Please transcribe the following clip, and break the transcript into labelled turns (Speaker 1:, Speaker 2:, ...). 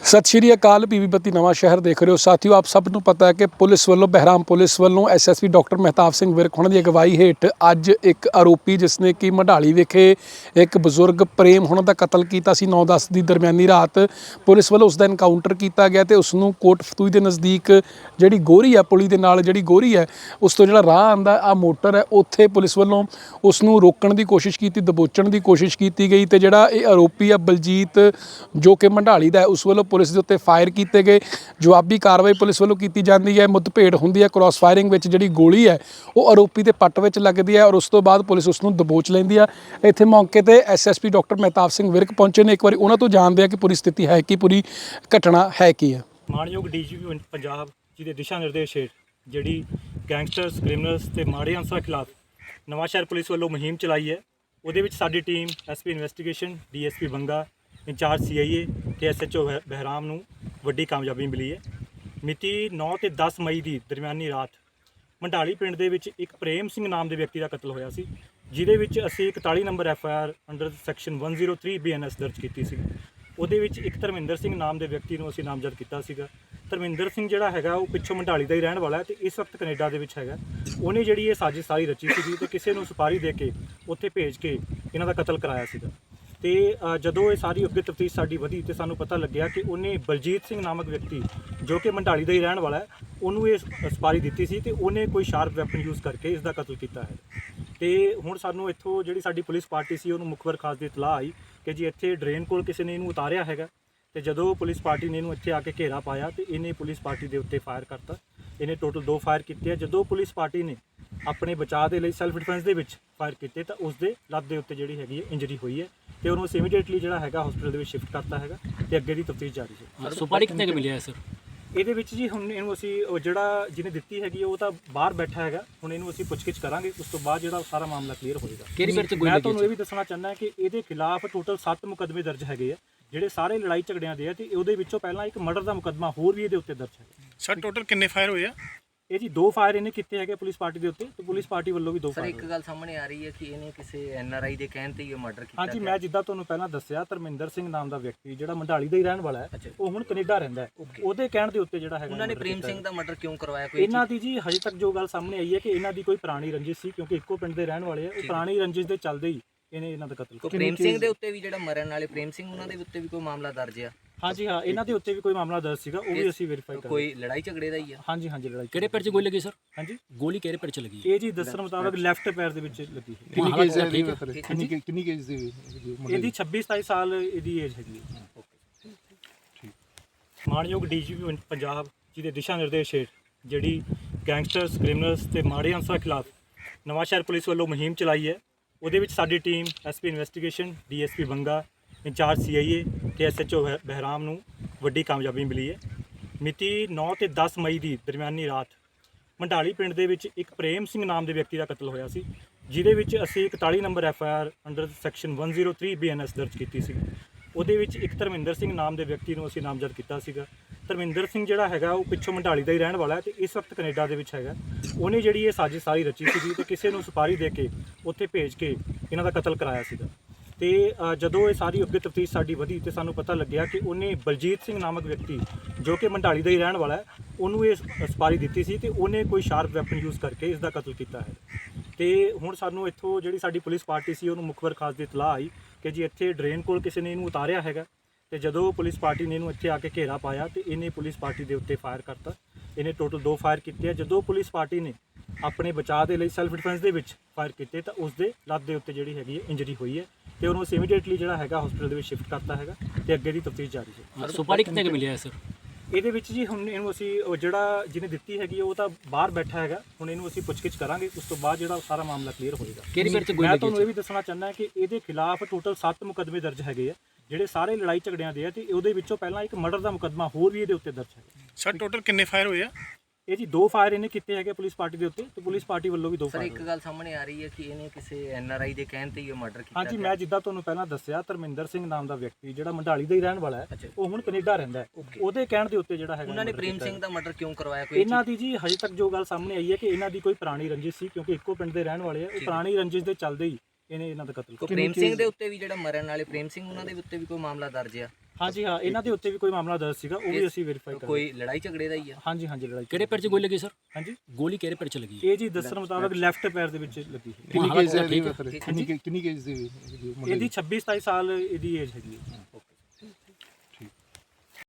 Speaker 1: सत श्री अकाल पीवी बत्ती नवा शहर देख रहे हो साथियों। आप सब ਨੂੰ ਪਤਾ ਹੈ ਕਿ ਪੁਲਿਸ ਵੱਲੋਂ ਬਹਿਰਾਮ ਪੁਲਿਸ ਵੱਲੋਂ ਐਸਐਸਪੀ ਡਾਕਟਰ ਮਹਿਤਾਬ ਸਿੰਘ ਵਿਰਕ ਉਹਨਾਂ ਦੀ ਅਗਵਾਈ ਹੇਠ ਅੱਜ ਇੱਕ ਆਰੋਪੀ ਜਿਸ ਨੇ ਕਿ ਮਢਾਲੀ ਵਿਖੇ ਇੱਕ ਬਜ਼ੁਰਗ ਪ੍ਰੇਮ ਉਹਨਾਂ ਦਾ ਕਤਲ ਕੀਤਾ ਸੀ 9-10 ਦੀ ਦਰਮਿਆਨੀ ਰਾਤ ਪੁਲਿਸ ਵੱਲੋਂ ਉਸ ਦਾ ਐਨਕਾਊਂਟਰ ਕੀਤਾ ਗਿਆ ਤੇ ਉਸ ਨੂੰ ਕੋਟ ਫਤੂਈ ਦੇ ਨਜ਼ਦੀਕ ਜਿਹੜੀ ਗੋਰੀ ਹੈ ਪੁਲੀ ਦੇ ਨਾਲ ਜਿਹੜੀ ਗੋਰੀ ਹੈ ਉਸ ਤੋਂ ਜਿਹੜਾ ਰਾਹ ਆਂਦਾ ਆ ਮੋਟਰ ਹੈ ਉੱਥੇ ਪੁਲਿਸ ਵੱਲੋਂ ਉਸ ਨੂੰ ਰੋਕਣ ਦੀ ਕੋਸ਼ਿਸ਼ ਕੀਤੀ, ਦਬੋਚਣ ਦੀ ਕੋਸ਼ਿਸ਼ ਕੀਤੀ ਗਈ ਤੇ ਜਿਹੜਾ ਇਹ ਆਰੋਪੀ ਆ ਬਲਜੀਤ ਜੋ ਕਿ ਮਢਾਲੀ ਦਾ ਹੈ ਉਸ ਵੱਲੋਂ ਪੁਲਿਸ ਦੇ ਉੱਤੇ ਫਾਇਰ ਕੀਤੇ गए। जवाबी कार्रवाई पुलिस वालों की जाती है। मुठभेड़ होंदी है, क्रॉस फायरिंग में जी गोली है वो आरोपी के पट में लगती है और उस तो बाद पुलिस उसनों दबोच लेंदी है। इत्थे मौके पर SSP डॉक्टर महताब सिंह विरक पहुंचे ने, एक बार उन्होंने तो जानते हैं कि पूरी स्थिति है कि पूरी घटना है की है।
Speaker 2: मानयोग DGP पंजाब जी के दिशा निर्देश हेठ जी गैंगस्टर्स क्रिमिनल्स ते माड़े अंसरां खिलाफ नवां शहर पुलिस वालों मुहिम चलाई है। वो साडी team SP investigation DSP Banga incharge CIA ते SHO बहराम नूं वड्डी कामयाबी मिली है। मिति 9 ते 10 मई की दरमियानी रात मंडाली पिंड दे विच एक प्रेम सिंह नाम के व्यक्ति का कतल होया सी, जिहदे विच असीं 41 नंबर FIR अंडर सैक्शन 103 BNS दर्ज की सी। ਉਹਦੇ ਵਿੱਚ ਇੱਕ ਧਰਮਿੰਦਰ ਸਿੰਘ ਨਾਮ ਦੇ ਵਿਅਕਤੀ ਨੂੰ ਅਸੀਂ ਨਾਮਜ਼ਦ ਕੀਤਾ ਸੀਗਾ। ਧਰਮਿੰਦਰ ਸਿੰਘ ਜਿਹੜਾ ਹੈਗਾ ਉਹ ਪਿੱਛੋਂ ਮੰਡਾਲੀ ਦਾ ਹੀ ਰਹਿਣ ਵਾਲਾ ਹੈ ਤੇ ਇਸ ਵਕਤ ਕੈਨੇਡਾ ਦੇ ਵਿੱਚ ਹੈਗਾ। ਉਹਨੇ ਜਿਹੜੀ ਇਹ ਸਾਜ਼ਿਸ਼ ਸਾਰੀ ਰਚੀ ਸੀਗੀ ਤੇ ਕਿਸੇ ਨੂੰ ਸੁਪਾਰੀ ਦੇ ਕੇ ਉੱਥੇ ਭੇਜ ਕੇ ਇਹਨਾਂ ਦਾ ਕਤਲ ਕਰਾਇਆ ਸੀਗਾ। ਤੇ ਜਦੋਂ ਇਹ ਸਾਰੀ ਅੱਗੇ ਤਫਤੀਸ਼ ਸਾਡੀ ਵਧੀ ਤੇ ਸਾਨੂੰ ਪਤਾ ਲੱਗਿਆ ਕਿ ਉਹਨੇ ਬਲਜੀਤ ਸਿੰਘ ਨਾਮਕ ਵਿਅਕਤੀ ਜੋ ਕਿ ਮੰਡਾਲੀ ਦਾ ਹੀ ਰਹਿਣ ਵਾਲਾ ਹੈ ਉਹਨੂੰ ਇਹ ਸੁਪਾਰੀ ਦਿੱਤੀ ਸੀ ਤੇ ਉਹਨੇ ਕੋਈ ਸ਼ਾਰਪ ਵੈਪਨ ਯੂਜ਼ ਕਰਕੇ ਇਸ ਦਾ ਕਤਲ ਕੀਤਾ ਹੈ। ਤੇ ਹੁਣ ਸਾਨੂੰ ਇੱਥੋਂ ਜਿਹੜੀ ਸਾਡੀ ਪੁਲਿਸ ਪਾਰਟੀ ਸੀ ਉਹਨੂੰ ਮੁਖਬਰ ਖਾਸ ਦੀ ਇਤਲਾਹ ਆਈ ਕਿ ਜੀ ਇੱਥੇ ਡਰੇਨ ਕੋਲ ਕਿਸੇ ਨੇ ਇਹਨੂੰ ਉਤਾਰਿਆ ਹੈਗਾ। ਤੇ ਜਦੋਂ ਪੁਲਿਸ ਪਾਰਟੀ ਨੇ ਇਹਨੂੰ ਇੱਥੇ ਆ ਕੇ ਘੇਰਾ ਪਾਇਆ ਤੇ ਇਹਨੇ ਪੁਲਿਸ ਪਾਰਟੀ ਦੇ ਉੱਤੇ ਫਾਇਰ ਕਰਤਾ। ਇਹਨੇ ਟੋਟਲ 2 ਫਾਇਰ ਕੀਤੇ ਆ। ਜਦੋਂ ਪੁਲਿਸ ਪਾਰਟੀ ਨੇ ਆਪਣੇ ਬਚਾਅ ਦੇ ਲਈ ਸੈਲਫ ਡਿਫੈਂਸ ਦੇ ਵਿੱਚ ਫਾਇਰ ਕੀਤੇ ਤਾਂ ਉਸ ਦੇ ਲੱਤ ਦੇ ਉੱਤੇ ਜਿਹੜੀ ਹੈਗੀ ਹੈ ਇੰਜਰੀ ਹੋਈ ਹੈ ਤੇ ਉਹਨੂੰ ਇਮੀਡੀਏਟਲੀ ਜਿਹੜਾ ਹੈਗਾ ਹਸਪੀਟਲ ਦੇ ਵਿੱਚ ਸ਼ਿਫਟ ਕਰਤਾ ਹੈਗਾ ਤੇ ਅੱਗੇ ਦੀ ਤਫਤੀਸ਼ ਜਾਰੀ ਹੈ।
Speaker 3: ਸੁਪਾਰੀ ਕਿੰਨੇ ਕੁ ਮਿਲਿਆ ਸਰ?
Speaker 2: ਇਹਦੇ ਵਿੱਚ ਜੀ ਹੁਣ ਇਹਨੂੰ ਅਸੀਂ ਜਿਹੜਾ ਜਿਹਨੇ ਦਿੱਤੀ ਹੈਗੀ ਉਹ ਤਾਂ ਬਾਹਰ ਬੈਠਾ ਹੈਗਾ। ਹੁਣ ਇਹਨੂੰ ਅਸੀਂ ਪੁੱਛਗਿੱਛ ਕਰਾਂਗੇ, ਉਸ ਤੋਂ ਬਾਅਦ ਜਿਹੜਾ ਸਾਰਾ ਮਾਮਲਾ ਕਲੀਅਰ ਹੋਏਗਾ। ਮੈਂ ਤੁਹਾਨੂੰ ਇਹ ਵੀ ਦੱਸਣਾ ਚਾਹੁੰਦਾ ਕਿ ਇਹਦੇ ਖਿਲਾਫ ਟੋਟਲ 7 ਮੁਕੱਦਮੇ ਦਰਜ ਹੈਗੇ ਆ ਜਿਹੜੇ ਸਾਰੇ ਲੜਾਈ ਝਗੜਿਆਂ ਦੇ ਆ ਤੇ ਉਹਦੇ ਵਿੱਚੋਂ ਪਹਿਲਾਂ ਇੱਕ ਮਰਡਰ ਦਾ ਮੁਕੱਦਮਾ ਹੋਰ ਵੀ ਇਹਦੇ ਉੱਤੇ ਦਰਜ ਹੈ।
Speaker 4: ਸਰ ਟੋਟਲ ਕਿੰਨੇ ਫਾਇਰ ਹੋਏ ਆ?
Speaker 2: ਇਹ ਜੀ 2 ਫਾਇਰ ਇਹਨੇ ਕੀਤੇ ਹੈਗੇ ਪੁਲਿਸ ਪਾਰਟੀ ਦੇ ਉੱਤੇ ਤੇ ਪੁਲਿਸ ਪਾਰਟੀ ਵੱਲੋਂ ਵੀ 2 ਫਾਇਰ।
Speaker 3: ਸਰ ਇੱਕ ਗੱਲ ਸਾਹਮਣੇ ਆ ਰਹੀ ਹੈ ਕਿ ਇਹਨੇ ਕਿਸੇ NRI ਦੇ ਕਹਿਣ ਤੇ ਹੀ ਇਹ ਮਰਡਰ ਕੀਤਾ।
Speaker 2: ਹਾਂਜੀ, ਮੈਂ ਜਿੱਦਾਂ ਤੁਹਾਨੂੰ ਪਹਿਲਾਂ ਦੱਸਿਆ ਧਰਮਿੰਦਰ ਸਿੰਘ ਨਾਮ ਦਾ ਵਿਅਕਤੀ ਜਿਹੜਾ ਮੰਡਾਲੀ ਦਾ ਹੀ ਰਹਿਣ ਵਾਲਾ ਹੈ ਉਹ ਹੁਣ ਕੈਨੇਡਾ ਰਹਿੰਦਾ ਹੈ। ਉਹਦੇ ਕਹਿਣ ਦੇ ਉੱਤੇ ਜਿਹੜਾ ਹੈਗਾ
Speaker 3: ਉਹਨਾਂ ਨੇ ਪ੍ਰੇਮ ਸਿੰਘ ਦਾ ਮਰਡਰ ਕਿਉਂ ਕਰਵਾਇਆ? ਕੋਈ
Speaker 2: ਇਹਨਾਂ ਦੀ ਜੀ ਹਜੇ ਤੱਕ ਜੋ ਗੱਲ ਸਾਹਮਣੇ ਆਈ ਹੈ ਕਿ ਇਹਨਾਂ ਦੀ ਕੋਈ ਪੁਰਾਣੀ ਰੰਜਿਸ਼ ਸੀ ਕਿਉਂਕਿ ਇੱਕੋ ਪਿੰਡ ਦੇ ਰਹਿਣ ਵਾਲੇ ਆ। ਉਹ ਪੁਰਾਣੀ ਰੰਜਿਸ਼ ਦੇ ਚੱਲਦੇ ਹੀ ਇਹਨੇ ਇਹਨਾਂ ਦਾ ਕਤਲ ਕੀਤਾ।
Speaker 3: ਪ੍ਰੇਮ ਸਿੰਘ ਦੇ ਉੱਤੇ ਵੀ ਜਿਹੜਾ ਮਰਨ ਵਾਲੇ ਪ੍ਰੇਮ ਸਿੰਘ ਉਹਨਾਂ ਦੇ ਉੱਤੇ ਵੀ ਕੋਈ ਮਾਮਲਾ ਦਰਜ ਆ?
Speaker 2: ਹਾਂਜੀ ਹਾਂ, ਇਹਨਾਂ ਦੇ ਉੱਤੇ ਵੀ ਕੋਈ ਮਾਮਲਾ ਦਰਜ ਸੀਗਾ, ਉਹ ਵੀ ਅਸੀਂ ਵੈਰੀਫਾਈ ਕਰਾਂਗੇ।
Speaker 3: ਕੋਈ ਲੜਾਈ ਝਗੜੇ ਦਾ ਹੀ ਆ?
Speaker 2: ਹਾਂਜੀ ਹਾਂਜੀ, ਲੜਾਈ।
Speaker 3: ਕਿਹੜੇ ਪੈਰ 'ਚ ਗੋਲੀ ਲੱਗੀ ਸਰ?
Speaker 2: ਹਾਂਜੀ,
Speaker 3: ਗੋਲੀ ਕਿਹੜੇ ਪੈਰ 'ਚ ਲੱਗੀ?
Speaker 2: ਇਹ ਜੀ ਦੱਸਣ ਮੁਤਾਬਕ ਲੈਫਟ ਪੈਰ ਦੇ ਵਿੱਚ ਲੱਗੀ ਹੈ।
Speaker 4: ਕਿੰਨੀ ਕੇਜ ਦੀ
Speaker 2: ਇਹਦੀ 26-27 ਸਾਲ ਇਹਦੀ ਏਜ ਹੈਗੀ ਹੈ। ਮਾਨਯੋਗ DGP ਪੰਜਾਬ ਜੀ ਦੇ ਦਿਸ਼ਾ ਨਿਰਦੇਸ਼ ਹੇਠ ਜਿਹੜੀ ਗੈਂਗਸਟਰਸ ਕ੍ਰਿਮੀਨਲਸ ਤੇ ਮਾੜੇ ਅੰਸਰਾਂ ਖਿਲਾਫ ਨਵਾਂ ਸ਼ਹਿਰ ਪੁਲਿਸ ਵੱਲੋਂ ਮੁਹਿੰਮ ਚਲਾਈ ਹੈ। ਉਹਦੇ ਵਿੱਚ ਸਾਡੀ team SP investigation DSP Banga incharge CIA ਤੇ SHO ਬਹਿਰਾਮ ਨੂੰ ਵੱਡੀ ਕਾਮਯਾਬੀ ਮਿਲੀ ਹੈ। ਮਿਤੀ 9 ਤੇ 10 ਮਈ ਦੀ ਦਰਮਿਆਨੀ ਰਾਤ ਮੰਡਾਲੀ ਪਿੰਡ ਦੇ ਵਿੱਚ ਇੱਕ ਪ੍ਰੇਮ ਸਿੰਘ ਨਾਮ ਦੇ ਵਿਅਕਤੀ ਦਾ ਕਤਲ ਹੋਇਆ ਸੀ, ਜਿਹਦੇ ਵਿੱਚ ਅਸੀਂ 41 ਨੰਬਰ FIR ਅੰਡਰ ਸੈਕਸ਼ਨ 103 BNS ਦਰਜ ਕੀਤੀ ਸੀ। ਉਹਦੇ ਵਿੱਚ ਇੱਕ ਧਰਮਿੰਦਰ ਸਿੰਘ ਨਾਮ ਦੇ ਵਿਅਕਤੀ ਨੂੰ ਅਸੀਂ ਨਾਮਜ਼ਦ ਕੀਤਾ ਸੀਗਾ। ਧਰਮਿੰਦਰ ਸਿੰਘ ਜਿਹੜਾ ਹੈਗਾ ਉਹ ਪਿੱਛੋਂ ਮੰਡਾਲੀ ਦਾ ਹੀ ਰਹਿਣ ਵਾਲਾ ਹੈ ਤੇ ਇਸ ਵਕਤ ਕੈਨੇਡਾ ਦੇ ਵਿੱਚ ਹੈਗਾ। ਉਹਨੇ ਜਿਹੜੀ ਇਹ ਸਾਜ਼ਿਸ਼ ਸਾਰੀ ਰਚੀ ਸੀਗੀ ਤੇ ਕਿਸੇ ਨੂੰ ਸੁਪਾਰੀ ਦੇ ਕੇ ਉੱਥੇ ਭੇਜ ਕੇ ਇਹਨਾਂ ਦਾ ਕਤਲ ਕਰਾਇਆ ਸੀਗਾ। ਤੇ ਜਦੋਂ ਇਹ ਸਾਰੀ ਅੱਗੇ ਤਫਤੀਸ਼ ਸਾਡੀ ਵਧੀ ਤੇ ਸਾਨੂੰ ਪਤਾ ਲੱਗਿਆ ਕਿ ਉਹਨੇ ਬਲਜੀਤ ਸਿੰਘ ਨਾਮਕ ਵਿਅਕਤੀ ਜੋ ਕਿ ਮੰਡਾਲੀ ਦਾ ਹੀ ਰਹਿਣ ਵਾਲਾ ਹੈ ਉਹਨੂੰ ਇਹ ਸੁਪਾਰੀ ਦਿੱਤੀ ਸੀ ਤੇ ਉਹਨੇ ਕੋਈ ਸ਼ਾਰਪ ਵੈਪਨ ਯੂਜ਼ ਕਰਕੇ ਇਸ ਦਾ ਕਤਲ ਕੀਤਾ ਹੈ। ਤੇ ਹੁਣ ਸਾਨੂੰ ਇੱਥੋਂ ਜਿਹੜੀ ਸਾਡੀ ਪੁਲਿਸ ਪਾਰਟੀ ਸੀ ਉਹਨੂੰ ਮੁਖਬਰ ਖਾਸ ਦੀ ਇਤਲਾਹ ਆਈ ਕਿ ਜੀ ਇੱਥੇ ਡਰੇਨ ਕੋਲ ਕਿਸੇ ਨੇ ਇਹਨੂੰ ਉਤਾਰਿਆ ਹੈਗਾ। ਤੇ ਜਦੋਂ ਪੁਲਿਸ ਪਾਰਟੀ ਨੇ ਇਹਨੂੰ ਇੱਥੇ ਆ ਕੇ ਘੇਰਾ ਪਾਇਆ ਤੇ ਇਹਨੇ ਪੁਲਿਸ ਪਾਰਟੀ ਦੇ ਉੱਤੇ ਫਾਇਰ ਕਰਤਾ। ਇਹਨੇ ਟੋਟਲ 2 ਫਾਇਰ ਕੀਤੇ ਆ। ਜਦੋਂ ਪੁਲਿਸ ਪਾਰਟੀ ਨੇ ਆਪਣੇ ਬਚਾਅ ਦੇ ਲਈ ਸੈਲਫ ਡਿਫੈਂਸ ਦੇ ਵਿੱਚ ਫਾਇਰ ਕੀਤੇ ਤਾਂ ਉਸ ਦੇ ਲੱਤ ਦੇ ਉੱਤੇ ਜਿਹੜੀ ਹੈਗੀ ਹੈ ਇੰਜਰੀ ਹੋਈ ਹੈ ਤੇ ਉਹਨੂੰ ਇਮੀਡੀਏਟਲੀ ਜਿਹੜਾ ਹੈਗਾ ਹਸਪੀਟਲ ਦੇ ਵਿੱਚ ਸ਼ਿਫਟ ਕਰਤਾ ਹੈਗਾ ਤੇ ਅੱਗੇ ਦੀ ਤਫਤੀਸ਼ ਜਾਰੀ ਹੈ।
Speaker 3: ਸੁਪਾਰੀ ਕਿੰਨੇ ਕੁ ਮਿਲਿਆ ਸਰ?
Speaker 2: ਇਹਦੇ ਵਿੱਚ ਜੀ ਹੁਣ ਇਹਨੂੰ ਅਸੀਂ ਜਿਹੜਾ ਜਿਹਨੇ ਦਿੱਤੀ ਹੈਗੀ ਉਹ ਤਾਂ ਬਾਹਰ ਬੈਠਾ ਹੈਗਾ। ਹੁਣ ਇਹਨੂੰ ਅਸੀਂ ਪੁੱਛਗਿੱਛ ਕਰਾਂਗੇ, ਉਸ ਤੋਂ ਬਾਅਦ ਜਿਹੜਾ ਸਾਰਾ ਮਾਮਲਾ ਕਲੀਅਰ ਹੋਏਗਾ। ਮੈਂ ਤੁਹਾਨੂੰ ਇਹ ਵੀ ਦੱਸਣਾ ਚਾਹੁੰਦਾ ਕਿ ਇਹਦੇ ਖਿਲਾਫ ਟੋਟਲ 7 ਮੁਕੱਦਮੇ ਦਰਜ ਹੈਗੇ ਆ ਜਿਹੜੇ ਸਾਰੇ ਲੜਾਈ ਝਗੜਿਆਂ ਦੇ ਆ ਤੇ ਉਹਦੇ ਵਿੱਚੋਂ ਪਹਿਲਾਂ ਇੱਕ ਮਰਡਰ ਦਾ ਮੁਕੱਦਮਾ ਹੋਰ ਵੀ ਇਹਦੇ ਉੱਤੇ ਦਰਜ ਹੈ।
Speaker 4: ਸਰ ਟੋਟਲ ਕਿੰਨੇ ਫਾਇਰ ਹੋਏ ਆ?
Speaker 2: ਇਹ ਜੀ 2 ਫਾਇਰ ਇਹਨੇ ਕੀਤੇ ਹੈਗੇ ਪੁਲਿਸ ਪਾਰਟੀ ਦੇ ਉੱਤੇ ਤੇ ਪੁਲਿਸ ਪਾਰਟੀ ਵੱਲੋਂ ਵੀ 2 ਫਾਇਰ।
Speaker 3: ਸਰ ਇੱਕ ਗੱਲ ਸਾਹਮਣੇ ਆ ਰਹੀ ਹੈ ਕਿ ਇਹਨੇ ਕਿਸੇ NRI ਦੇ ਕਹਿਣ ਤੇ ਹੀ ਇਹ ਮਰਡਰ ਕੀਤਾ।
Speaker 2: ਹਾਂਜੀ, ਮੈਂ ਜਿੱਦਾਂ ਤੁਹਾਨੂੰ ਪਹਿਲਾਂ ਦੱਸਿਆ ਧਰਮਿੰਦਰ ਸਿੰਘ ਨਾਮ ਦਾ ਵਿਅਕਤੀ ਜਿਹੜਾ ਮੰਡਾਲੀ ਦਾ ਹੀ ਰਹਿਣ ਵਾਲਾ ਹੈ ਉਹ ਹੁਣ ਕੈਨੇਡਾ ਰਹਿੰਦਾ ਹੈ। ਉਹਦੇ ਕਹਿਣ ਦੇ ਉੱਤੇ ਜਿਹੜਾ ਹੈਗਾ
Speaker 3: ਉਹਨਾਂ ਨੇ ਪ੍ਰੇਮ ਸਿੰਘ ਦਾ ਮਰਡਰ ਕਿਉਂ ਕਰਵਾਇਆ? ਕੋਈ
Speaker 2: ਇਹਨਾਂ ਦੀ ਜੀ ਹਜੇ ਤੱਕ ਜੋ ਗੱਲ ਸਾਹਮਣੇ ਆਈ ਹੈ ਕਿ ਇਹਨਾਂ ਦੀ ਕੋਈ ਪੁਰਾਣੀ ਰੰਜਿਸ਼ ਸੀ ਕਿਉਂਕਿ ਇੱਕੋ ਪਿੰਡ ਦੇ ਰਹਿਣ ਵਾਲੇ ਆ। ਉਹ ਪੁਰਾਣੀ ਰੰਜਿਸ਼ ਦੇ ਚੱਲਦੇ ਹੀ ਇਹਨੇ ਇਹਨਾਂ ਦਾ ਕਤਲ ਕੀਤਾ।
Speaker 3: ਪ੍ਰੇਮ ਸਿੰਘ ਦੇ ਉੱਤੇ ਵੀ ਜਿਹੜਾ ਮਰਨ ਵਾਲੇ ਪ੍ਰੇਮ ਸਿੰਘ ਉਹਨਾਂ ਦੇ ਉੱਤੇ ਵੀ ਕੋਈ ਮਾਮਲਾ ਦਰਜ ਆ?
Speaker 2: ਹਾਂਜੀ ਹਾਂ, ਇਹਨਾਂ ਦੇ ਉੱਤੇ ਵੀ ਕੋਈ ਮਾਮਲਾ ਦਰਜ ਸੀਗਾ, ਉਹ ਵੀ ਅਸੀਂ ਵੈਰੀਫਾਈ ਕਰ
Speaker 3: ਕੋਈ ਲੜਾਈ ਝਗੜੇ ਦਾ ਹੀ ਆ?
Speaker 2: ਹਾਂਜੀ ਹਾਂਜੀ, ਲੜਾਈ
Speaker 5: ਕਿਹੜੇ ਪੈਰ 'ਚ ਗੋਲੀ ਲੱਗੀ ਸਰ?
Speaker 2: ਹਾਂਜੀ,
Speaker 5: ਗੋਲੀ ਕਿਹੜੇ ਪੈਰ 'ਚ ਲੱਗੀ?
Speaker 2: ਇਹ ਜੀ ਦੱਸਣ ਮੁਤਾਬਕ ਲੈਫਟ ਪੈਰ ਦੇ ਵਿੱਚ ਲੱਗੀ ਸੀ।
Speaker 4: ਕਿੰਨੀ
Speaker 5: ਹਾਲਤ
Speaker 4: ਕੇਸ ਦੇ
Speaker 5: ਠੀਕ
Speaker 4: ਕਿੰਨੀ ਕੇਸ ਦੇ
Speaker 2: ਇਹਦੀ 26 27 ਸਾਲ ਇਹਦੀ ਏਜ ਹੈਗੀ ਹੈ।